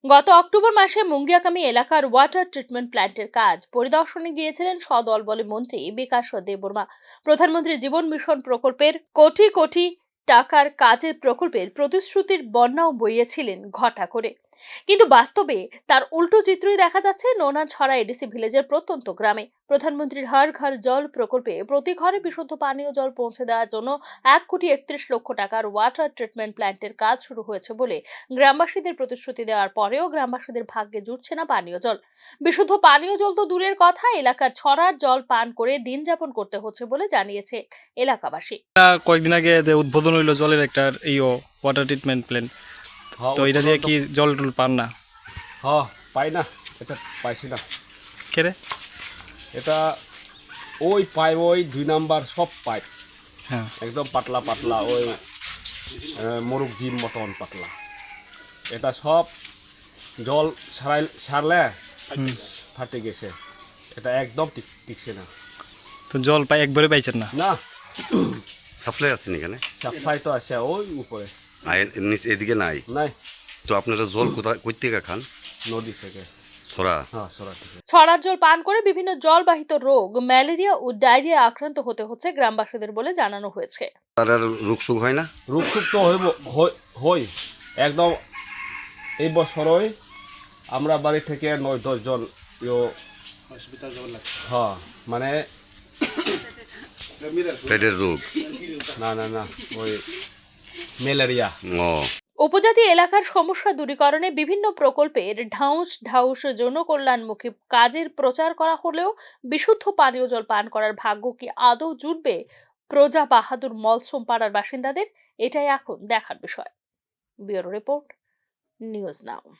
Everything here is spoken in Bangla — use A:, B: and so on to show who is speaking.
A: গত অক্টোবর মাসে মুঙ্গিয়াকামী এলাকার ওয়াটার ট্রিটমেন্ট প্ল্যান্টের কাজ পরিদর্শনে গিয়েছিলেন সদলবলে মন্ত্রী বিকাশ দেববর্মা। প্রধানমন্ত্রী জীবন মিশন প্রকল্পের কোটি কোটি টাকার কাজের প্রকল্পের প্রতিশ্রুতির বন্যাও বইয়েছিলেন ঘটা করে, কিন্তু বাস্তবে তার উল্টো চিত্রই দেখা যাচ্ছে নোনাছড়া এডিসি ভিলেজের প্রত্যন্ত গ্রামে। প্রধানমন্ত্রীর হর ঘর জল প্রকল্পে প্রতি ঘরে বিশুদ্ধ পানীয় জল পৌঁছে দেওয়ার জন্য 1,31,00,000 টাকার ওয়াটার ট্রিটমেন্ট প্ল্যান্টের কাজ শুরু হয়েছে বলে গ্রামবাসীদের প্রতিশ্রুতি দেওয়ার পরেও গ্রামবাসীদের ভাগ্যে জুটছে না পানীয় জল। বিশুদ্ধ পানীয় জল তো দূরের কথা, এলাকার ছড়ার জল পান করে দিন যাপন করতে হচ্ছে বলে জানিয়েছে এলাকাবাসী।
B: কয়েকদিন আগে উদ্বোধন হইলো জলের একটা ওয়াটার ট্রিটমেন্ট প্ল্যান্ট, তো এটা দিয়ে কি জল টল পান না?
C: হ্যাঁ, পাই না, এটা পাইছি না।
B: কেরে
C: এটা ওই পাইপ, ওই 2 নাম্বার সব পাইপ,
B: হ্যাঁ,
C: একদম পাতলা পাতলা, ওই মোরগ জিম মতন পাতলা। এটা সব জল সারলে ফাটে গেছে, এটা একদম টিকছে না।
B: তো জল একবারে পাইছেন না?
C: না,
D: সাপ্লাই আছে এখানে?
C: সাপ্লাই তো আছে ওই উপরে,
D: নিচে এদিকে নাই।
C: নাই।
D: তো আপনারা জল কই থেকে খান?
C: নদী থেকে।
D: ছড়া?
C: হ্যাঁ, ছড়া থেকে।
A: ছড়ার জল পান করে বিভিন্ন জলবাহিত রোগ, ম্যালেরিয়া ও ডায়রিয়া আক্রান্ত হতে হচ্ছে গ্রামবাসীদের বলে জানানো হয়েছে।
D: তার আর রোগ সুখ হয় না?
C: রোগ সুখ তো হই একদম। এই বছরই আমরা বাড়ি থেকে 9-10 জন হসপিটাল যাওয়ার লাগছে। হ্যাঁ, মানে
D: পেটের রোগ?
C: না, ওই ম্যালেরিয়া।
D: ও,
A: উপজাতি এলাকার সমস্যা দূরীকরণে বিভিন্ন প্রকল্পের ঢাউস জনকল্যাণমুখী কাজের প্রচার করা হলেও বিশুদ্ধ পানীয় জল পান করার ভাগ্য কি আদৌ জুটবে প্রজা বাহাদুর মলসম পাড়ার বাসিন্দাদের? এটাই এখন দেখার বিষয়। ব্যুরো রিপোর্ট, নিউজ নাও।